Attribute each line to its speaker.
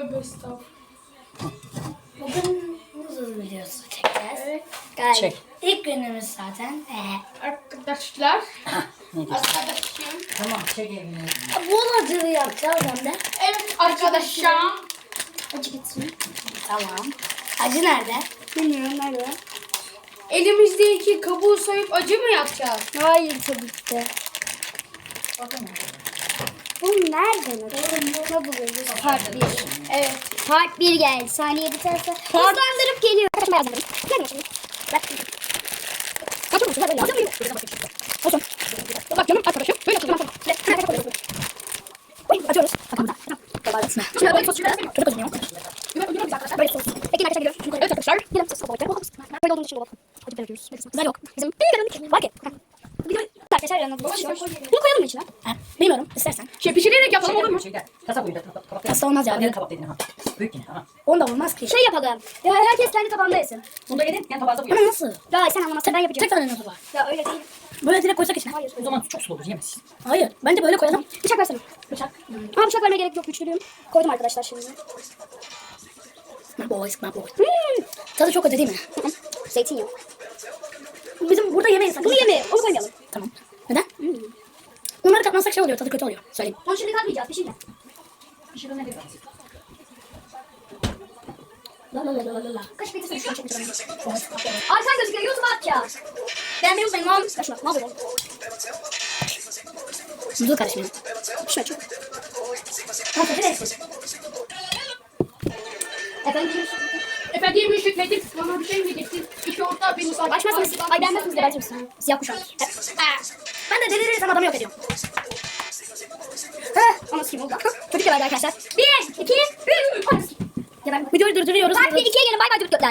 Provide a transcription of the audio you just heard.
Speaker 1: Tövbe estağfurullah.
Speaker 2: Bugün muzlu videosu çekeceğiz.
Speaker 1: Evet.
Speaker 2: Gayet
Speaker 3: Çek.
Speaker 2: ilk günümüz zaten.
Speaker 1: Arkadaşlar.
Speaker 3: Ne diyorsun?
Speaker 1: Arkadaşım.
Speaker 3: Tamam çek evini.
Speaker 2: Bol acılı yapacağız hem de.
Speaker 1: Evet arkadaşlar.
Speaker 2: Acı gitsin. Tamam. Acı nerede? Bilmiyorum nerede.
Speaker 1: Elimizdeki kabuğu soyup acı mı yapacağız?
Speaker 2: Hayır tabii ki de. Bu nereden acı? Ne buluyoruz? Part 1. Evet. Part 1 geldi. Saniye biterse hızlandırıp geliyor. Kaçma yazdım. Gelme şimdi. Bak. Kaçma mısın? Böyle yazdım. Olsun. Bak canım arkadaşım. Böyle yapalım. Açıyoruz. Bakalım. Şimdi böyle sos çıkıyor. Çocuk özünüyor. Böyle biz arkadaşlar. Böyle sos. Peki arkadaşlar geliyoruz. Evet arkadaşlar. Gelin sos koyalım. Böyle olduğunu düşünüyorum. Acı veriyoruz. Güzel yok. Bizim bir kadın var ki. Arkadaşlar yanına bunu koyalım mı içine? Bilmiyorum. İstersen.
Speaker 1: Pişirerek yapalım olur mu?
Speaker 3: Kasa boyunda.
Speaker 2: Kasa olmaz ya.
Speaker 3: Diğer kabak dedin ha. Büyük yine ha.
Speaker 2: Onda olmaz ki. Şey yapalım. Ya herkes kendi tabağında yesin.
Speaker 3: Burada yedin. Yani tabağda bu
Speaker 2: Ama
Speaker 3: yok.
Speaker 2: nasıl? Ya sen anlamazsın ben yapacağım.
Speaker 3: Tek tane nasıl var?
Speaker 2: Ya öyle değil.
Speaker 3: Böyle direkt koysak içine.
Speaker 2: Hayır.
Speaker 3: O zaman çok sulu olur yemezsin.
Speaker 2: Hayır. Bence böyle koyalım. Bıçak versene. Bıçak. Ama bıçak vermeye gerek yok. Güçlüyüm. Koydum arkadaşlar şimdi. My boys, my boys. Tadı çok acı değil mi? Zeytin yok. Bizim burada yemeyiz. Bunu yemeyelim. Onu koymayalım. Tamam. Neden? Bunları katmazsak şey oluyor. Tadı kötü oluyor. Söyleyeyim. Onu şimdi katmayacağız. Pişirme.
Speaker 3: Pişirilme değil.
Speaker 2: La la la la la. Kaç metre sürdü? Ay sen gözüküyor. YouTube'a atacağız. Ben benim uzmanım. Kaç şuna. Ne yapıyorum? Dur kardeşim. Şuna çok. Nasıl? Neresi?
Speaker 1: Efendim Müşrikledim. Bana bir şey mi diyeceksin? İki orta bir misal.
Speaker 2: Açmazsınız. Ay beğenmezsiniz de belki siyah kuşak. Ben de delirirsem adamı yok ediyorum. Anası kim oldu? Çocuk geberdi arkadaşlar. 1, 2, 3. Videoyu durduruyoruz. Part 1, 2'ye gelin. Bay bay çocuklar.